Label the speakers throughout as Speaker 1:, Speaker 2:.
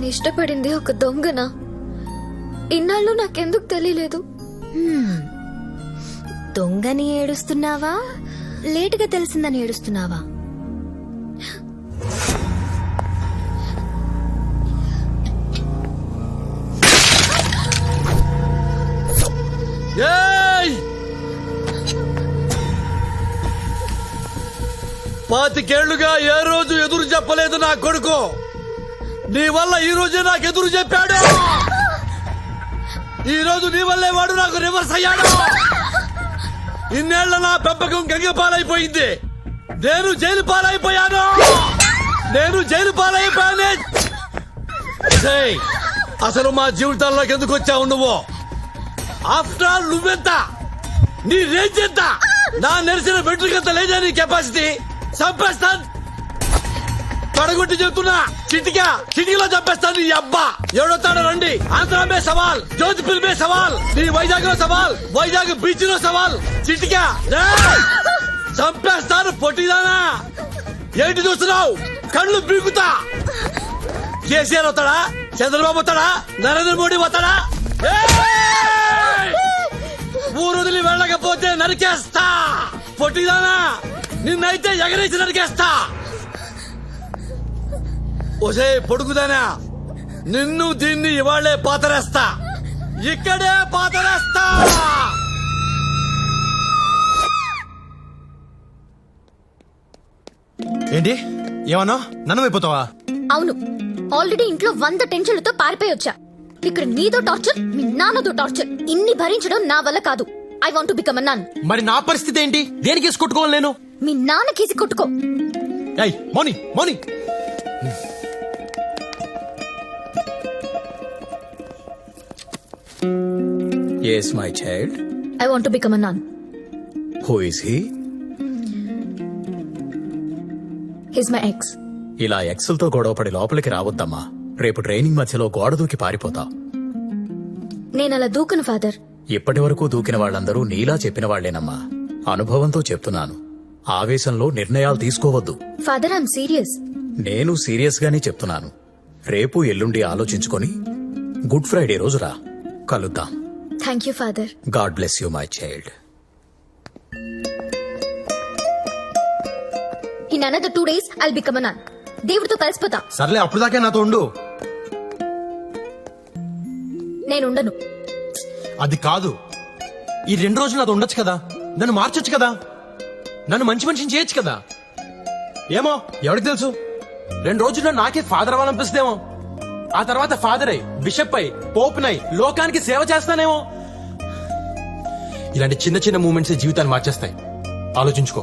Speaker 1: ఇష్టపడింది ఒక దొంగనా? ఇన్నాళ్ళు నాకెందుకు తెలియలేదు?
Speaker 2: దొంగని ఏడుస్తున్నావా, లేటుగా తెలిసిందని ఏడుస్తున్నావా?
Speaker 3: పాతికేళ్లుగా ఏ రోజు ఎదురు చెప్పలేదు నా కొడుకు. నీ వల్ల ఈ రోజే నాకు ఎదురు చెప్పాడు. ఈ రోజు నీ వల్లే వాడు నాకు రివర్స్ అయ్యాడు. ఇన్నేళ్ల నా పెంపకం గంగ పాలైపోయింది. నేను జైలు పాలైపోయాను. అసలు మా జీవితాల్లోకి ఎందుకు వచ్చావు నువ్వు? ఆఫ్టర్ ఆల్ నువ్వెంత, నీ రేంజ్ ఎంత? నా నెరిసిన వెంట్రుకంత లేదా నీ కెపాసిటీ? చంపేస్తాను, తొడగొట్టి చెప్తున్నా. చిటికలో చంపేస్తాను. నీ అబ్బా ఎవడొస్తాడో రండి. ఆంధ్ర మే సవాల్, జోధ్పూర్ మే సవాల్, నీ వైజాగ్ లో సవాల్, వైజాగ్ బీచ్ లో సవాల్. చిటికా చంపేస్తాను. పొట్టిదానా ఏంటి చూస్తున్నావు? కళ్ళు పీకుతా. కేసీఆర్ వస్తాడా? చంద్రబాబు వస్తాడా? నరేంద్ర మోడీ వస్తాడా? ఊరు వదిలి వెళ్ళకపోతే నరికేస్తా. పొట్టిదానా నిన్నైతే ఎగరేసి నరికేస్తా. ఒసే పొడుగుదానా, నిన్ను దీన్ని ఇవాళ్లే పాతరేస్తా. ఇక్కడే పాతరేస్తా.
Speaker 4: ఏంటి ఏమన్నా? నన్ను అయిపోతావా?
Speaker 1: అవును, ఆల్రెడీ ఇంట్లో 100 టెన్షన్లతో పారిపోయి వచ్చా. ఇక్కడ నీతో టార్చర్, మీ నాన్నతో టార్చర్. ఇన్ని భరించడం నా వల్ల కాదు. I want to become a nun.
Speaker 4: మరి నా పరిస్థితి ఏంటి? దేనికి వేసి కొట్టుకోవాలి నేను?
Speaker 1: మీ నాన్న కేసి కొట్టుకో.
Speaker 4: మోని
Speaker 5: Yes, my child.
Speaker 1: I want to become a nun.
Speaker 5: Who is he?
Speaker 1: He's my ex.
Speaker 5: ఇలా ఎక్స్లతో గొడవపడి లోపలికి రావద్దమ్మా. రేపు ట్రైనింగ్ మధ్యలో గోడ దూకి పారిపోతావు.
Speaker 1: నేనలా దూకను ఫాదర్.
Speaker 5: ఇప్పటి వరకు దూకిన వాళ్ళందరూ నీలా చెప్పిన వాళ్లేనమ్మా. అనుభవంతో చెప్తున్నాను. ఆవేశంలో నిర్ణయాలు తీసుకోవద్దు.
Speaker 1: Father, I'm serious.
Speaker 5: నేను సీరియస్ గానే చెప్తున్నాను. రేపు ఎల్లుండి ఆలోచించుకొని గుడ్ ఫ్రైడే రోజు రా, కలుద్దాం.
Speaker 1: Thank you father.
Speaker 5: God bless you my child.
Speaker 1: In another 2 days I'll become a nun. దేవుడితో కలిసిపోతా.
Speaker 4: సర్లే, అప్పుడు దాకా నాతో ఉండు.
Speaker 1: నేనుండను.
Speaker 4: అది కాదు, ఈ 2 రోజులు నాతో ఉండొచ్చు కదా. నన్ను మార్చొచ్చు కదా. నన్ను మంచి మనిషిని చేయొచ్చు కదా. ఏమో, ఎవరికి తెలుసు? 2 రోజుల్లో నాకే ఫాదర్ అవ్వాలనిపిస్తేమో. ఆ తర్వాత ఫాదర్ అయి, బిషప్ అయి, పోప్ నై లోకానికి సేవ చేస్తానేమో. ఇలాంటి చిన్న చిన్న మూమెంట్స్ జీవితాన్ని మార్చేస్తాయి. ఆలోచించుకో.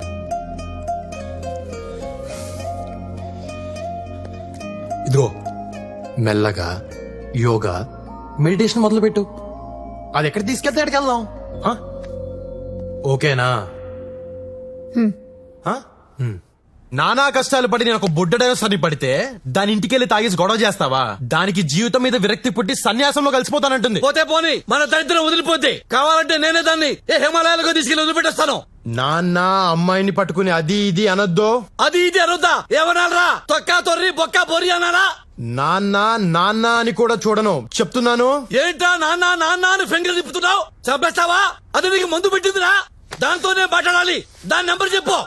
Speaker 4: ఇదిగో, మెల్లగా యోగా, మెడిటేషన్ మొదలుపెట్టు. అది ఎక్కడ తీసుకెళ్తే ఎక్కడికి వెళ్దాం. ఓకేనా? నానా కష్టాలు పడి నేను ఒక బుడ్డడైనా సరి పడితే దాని ఇంటికెళ్ళి తాగేసి గొడవ చేస్తావా? దానికి జీవితం మీద విరక్తి పుట్టి సన్యాసంలో కలిసిపోతానంటుంది.
Speaker 3: పోతే పోని, మన దరిద్రం వదిలిపోతే కావాలంటే నేనే దాన్ని హిమాలయాలకు తీసుకెళ్లి వదిలిపెట్టేస్తాను.
Speaker 4: నాన్న అమ్మాయిని పట్టుకుని అది ఇది అనొద్దు.
Speaker 3: అది ఇది అనొద్దా? ఏమనాలరా? తొక్కా తొర్రి బొక్కా బొరి అనాలా?
Speaker 4: నాన్న నాన్న అని కూడా చూడను, చెప్తున్నాను.
Speaker 3: ఏంటా నాన్న నాన్న అని ఫింగర్ తిప్పుతున్నావు? చంపేస్తావా? అది నీకు మందు పెట్టిందిరా. దాంతోనే మాట్లాడాలి. దాని నెంబర్ చెప్పు.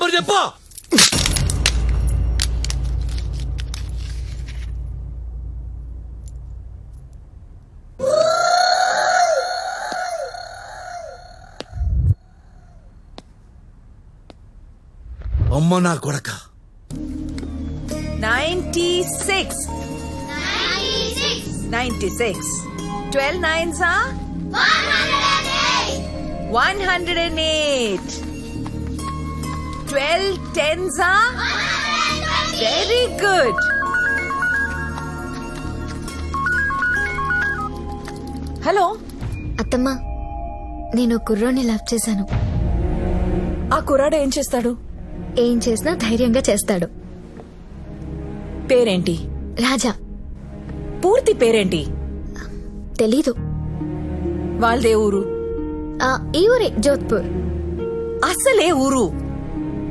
Speaker 3: అమ్మ నా కొడక.
Speaker 6: 96. 12 9s are 108. 12 10s are very good. Hello
Speaker 1: అత్తమ్మా, నేను కుర్రోని లవ్ చేశాను.
Speaker 6: ఆ కుర్రాడు ఏం చేస్తాడు?
Speaker 1: ఏం చేసినా ధైర్యంగా చేస్తాడు.
Speaker 6: పేరేంటి?
Speaker 1: రాజా.
Speaker 6: పూర్తి పేరేంటి?
Speaker 1: తెలీదు.
Speaker 6: వాళ్ళదే ఊరు?
Speaker 1: ఈ ఊరే, జోధ్పూర్.
Speaker 6: అసలే ఊరు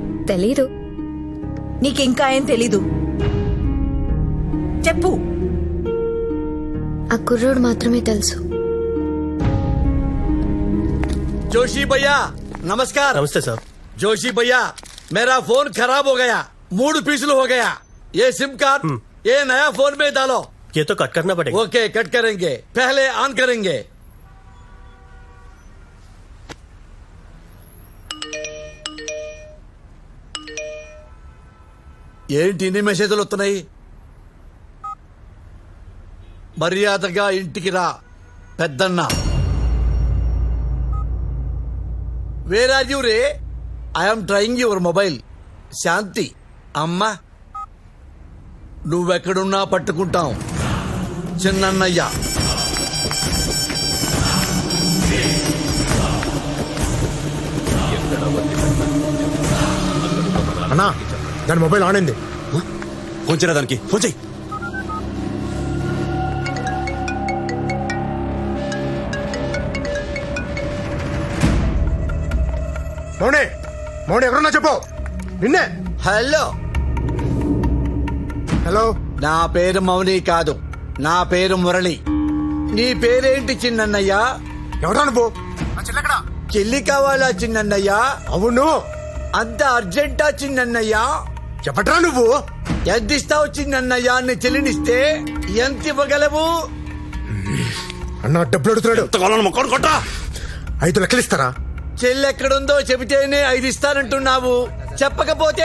Speaker 1: తెలీదు.
Speaker 6: నీకింకా ఏం తెలీదు? చెప్పు.
Speaker 2: ఆ కుర్రోడు మాత్రమే తెలుసు.
Speaker 3: जोशी भैया नमस्कार।
Speaker 7: नमस्ते साहब।
Speaker 3: जोशी भैया मेरा फोन खराब हो गया, मूड पिछल हो गया। ये सिम कार्ड ये नया फोन में डालो।
Speaker 7: ये तो कट करना पड़ेगा।
Speaker 3: ओके कट करेंगे, पहले ऑन करेंगे। ఏంటి ఇన్ని మెసేజ్లు వస్తున్నాయి? మర్యాదగా ఇంటికి రా పెద్దన్న. వేర్ ఆర్ యూ రే? I'm trying your mobile. Shanti అమ్మా నువ్వెక్కడున్నా పట్టుకుంటాం చిన్నన్నయ్య.
Speaker 4: అన్నా దాని మొబైల్ ఆన్ అయింది.
Speaker 7: ఫోన్ చేయరా దానికి, ఫోన్ చేయి.
Speaker 4: మౌనే మౌనే ఎవరన్నా చెప్పు. నిన్నే.
Speaker 3: Hello
Speaker 4: hello.
Speaker 3: నా పేరు మౌని కాదు, నా పేరు మురళి. నీ పేరేంటి చిన్నన్నయ్య?
Speaker 4: ఎవరా నువ్వు?
Speaker 3: చెల్లి కావాలా చిన్నన్నయ్య?
Speaker 4: అవును.
Speaker 3: అంత అర్జెంటా చిన్నన్నయ్య?
Speaker 4: చెప్పట్రా నువ్వు.
Speaker 3: ఎంత ఇస్తావు చిన్నన్నయ్య? నీ చెల్లినిస్తే ఎంత ఇవ్వగలవు?
Speaker 4: అన్న డబ్బులు అడుగుతున్నాడు.
Speaker 7: మొక్కడు కొట్టా.
Speaker 4: 5 లక్షలు ఇస్తారా?
Speaker 3: చెల్లి ఎక్కడుందో చెబితేనే 5 ఇస్తానంటున్నావు, చెప్పకపోతే?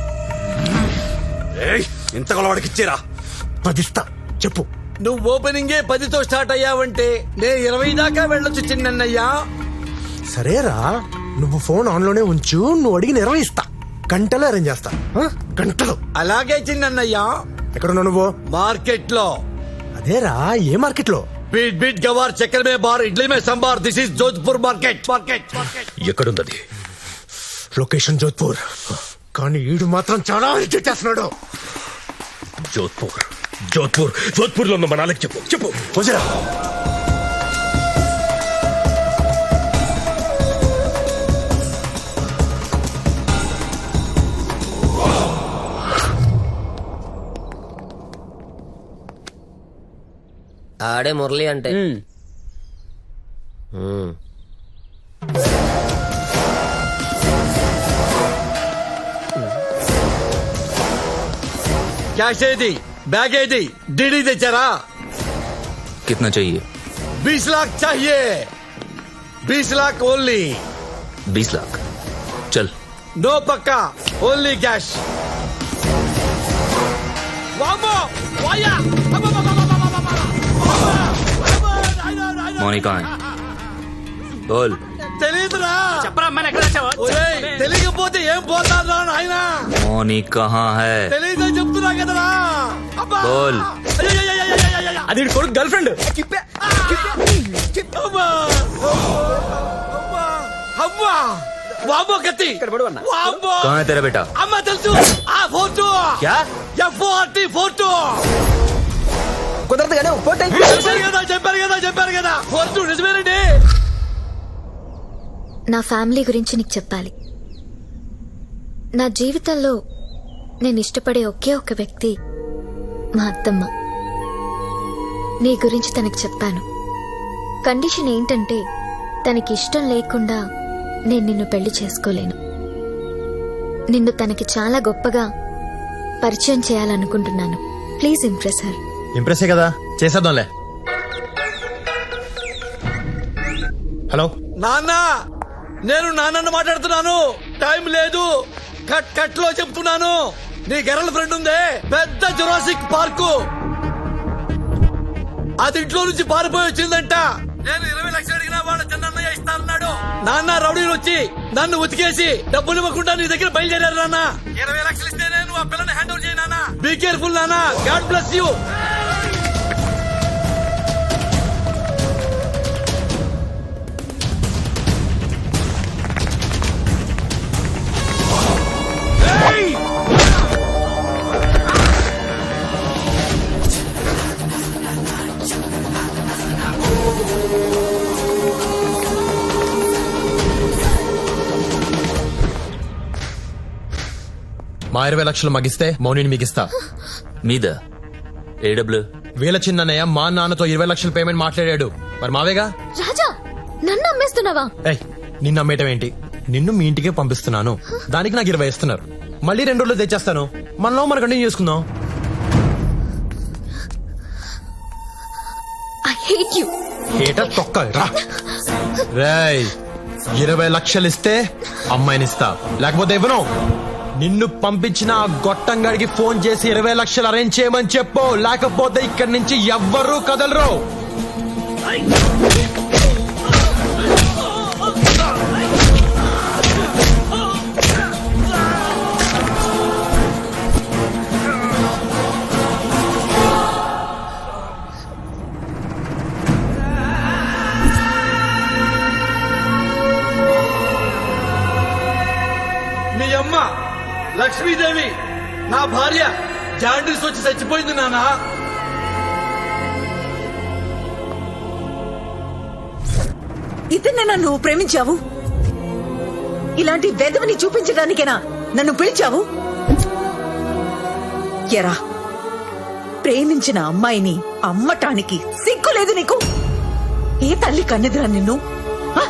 Speaker 7: ఇంత వాడికి ఇచ్చేరా.
Speaker 4: 10 ఇస్తా చెప్పు.
Speaker 3: నువ్వు ఓపెనింగే 10తో స్టార్ట్ అయ్యావంటే నేను 20 దాకా వెళ్ళొచ్చు చిన్నన్నయ్య.
Speaker 4: సరేరా నువ్వు ఫోన్ ఆన్ లోనే ఉంచు. నువ్వు అడిగిన 20 ఇస్తా. గంటలో అరేంజ్ చేస్తా. గంటలో.
Speaker 3: అలాగే చిన్నన్నయ్య.
Speaker 4: ఎక్కడున్నావు నువ్వు?
Speaker 3: మార్కెట్ లో.
Speaker 4: అదేరా ఏ మార్కెట్ లో?
Speaker 3: बीट बीट गवार चक्कर में बार इडली में sambar. This is Jodhpur market.
Speaker 5: ఎక్కడుందది?
Speaker 4: లొకేషన్ జోధ్పూర్. కానీ ఈడు మాత్రం చాలా ఇరిటేట్ చేస్తున్నాడు.
Speaker 5: జోధ్పూర్ జోధ్పూర్ జోధ్పూర్ లో ఉన్న మనాలకి చెప్పు చెప్పు.
Speaker 4: ఫోన్ చేయరా.
Speaker 8: ఆడే మురళి అంటే
Speaker 3: कैश ఏది? बैग ఏది? डीडी తెచ్చారా?
Speaker 9: कितना चाहिए?
Speaker 3: 20 लाख चाहिए। 20 लाख ओनली।
Speaker 9: 20 लाख चल।
Speaker 3: नो पक्का, ओनली कैश। वामो वाया।
Speaker 9: मौनी कहाँ है? बोल।
Speaker 3: తెలీదురా? ఒరేయ్, తెలియకపోతే ఏం పోతారా నాయనా?
Speaker 9: मौनी कहाँ है?
Speaker 3: తెలీదని చెప్తున్నా కదరా. అబ్బా!
Speaker 9: बोल।
Speaker 3: అయ్యయ్యయ్యయ్యయ్యయ్యయ్యయ్య!
Speaker 4: అది కొడుకు గర్ల్ ఫ్రెండ్.
Speaker 3: అమ్మా! అమ్మా! అమ్మా! వామ్మో కత్తి! వామ్మో!
Speaker 9: कहाँ है तेरा बेटा?
Speaker 3: అమ్మ తెలుసు. ఆ ఫోటో.
Speaker 9: क्या?
Speaker 3: F40 photo.
Speaker 6: కుదరదు కానీ ఒక ఫోటో
Speaker 3: చెప్పారు కదా ఫోటో నిజమేనండి.
Speaker 2: నా ఫ్యామిలీ గురించి నీకు చెప్పాలి. నా జీవితంలో నేను ఇష్టపడే ఒకే ఒక వ్యక్తి మా అత్తమ్మ. నీ గురించి తనకి చెప్పాను. కండిషన్ ఏంటంటే తనకి ఇష్టం లేకుండా నేను నిన్ను పెళ్లి చేసుకోలేను. నిన్ను తనకి చాలా గొప్పగా పరిచయం చేయాలనుకుంటున్నాను. Please impress her.
Speaker 4: ఇంప్రెస్ కదా, చేసేద్దాంలే. హలో
Speaker 3: నాన్న, నేను నాన్నను మాట్లాడుతున్నాను. టైం లేదు, కట్ కట్ లో చెప్తున్నాను. నీ గర్ల్ ఫ్రెండ్ ఉందే పెద్ద జురాసిక్ పార్కు, అది ఇంట్లో నుంచి పారిపోయి వచ్చిందంట. నేను 20 లక్షలు అడిగినా వాళ్ళ చిన్నయ్య ఇస్తానన్నాడు. నాన్న రౌడీలు వచ్చి నన్ను ఉతికేసి డబ్బులు ఇవ్వకుండా నీ దగ్గర బయలుదేరారు. నాన్న 20 లక్షలు ఇస్తే నేను ఆ పిల్లని హ్యాండ్ ఓవర్ చేయను. నాన్న బీ కేర్ఫుల్ నాన్న. God bless you.
Speaker 4: మా 20 లక్షలు మగిస్తే మౌనిని మిగిస్తా.
Speaker 9: మీద ఏ డబ్బులు?
Speaker 4: వీళ్ళ చిన్నయ్య మా నాన్నతో 20 లక్షల పేమెంట్ మాట్లాడాడు. మరి మావేగా.
Speaker 1: రాజా నన్ను అమ్మేస్తున్నావా?
Speaker 4: ఏయ్, నిన్ను అమ్మేయటం ఏంటి? నిన్ను మీ ఇంటికే పంపిస్తున్నాను. దానికి నాకు 20 ఇస్తున్నారు. మళ్ళీ 2 రోజులు తెచ్చేస్తాను. మనలో మనం కంటిన్యూ చేసుకుందాం.
Speaker 1: I hate you.
Speaker 4: ఏటా తొక్క రా. రేయ్, 20 లక్షలు ఇస్తే అమ్మాయినిస్తా, లేకపోతే ఇవ్వను. నిన్ను పంపించిన ఆ గొట్టంగాడికి ఫోన్ చేసి 20 లక్షలు అరేంజ్ చేయమని చెప్పు, లేకపోతే ఇక్కడి నుంచి ఎవ్వరూ కదలరు.
Speaker 3: మీ అమ్మ లక్ష్మీదేవి నా భార్య జాండీస్ వచ్చి చచ్చిపోయింది నానా.
Speaker 10: ఇతన్నేనా నువ్వు ప్రేమించావు? ఇలాంటి వెధవని చూపించడానికేనా నన్ను పిలిచావు? ఎరా, ప్రేమించిన అమ్మాయిని అమ్మటానికి సిగ్గులేదు నీకు? ఏ తల్లి కన్నెదురా నిన్ను? ఆ?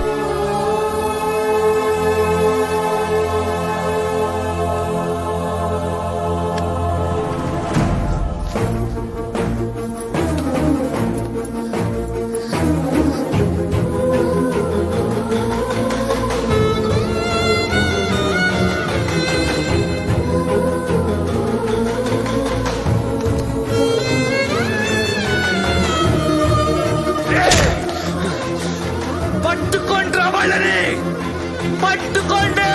Speaker 3: పట్టుకోండి రా వాళ్ళని, పట్టుకోండి.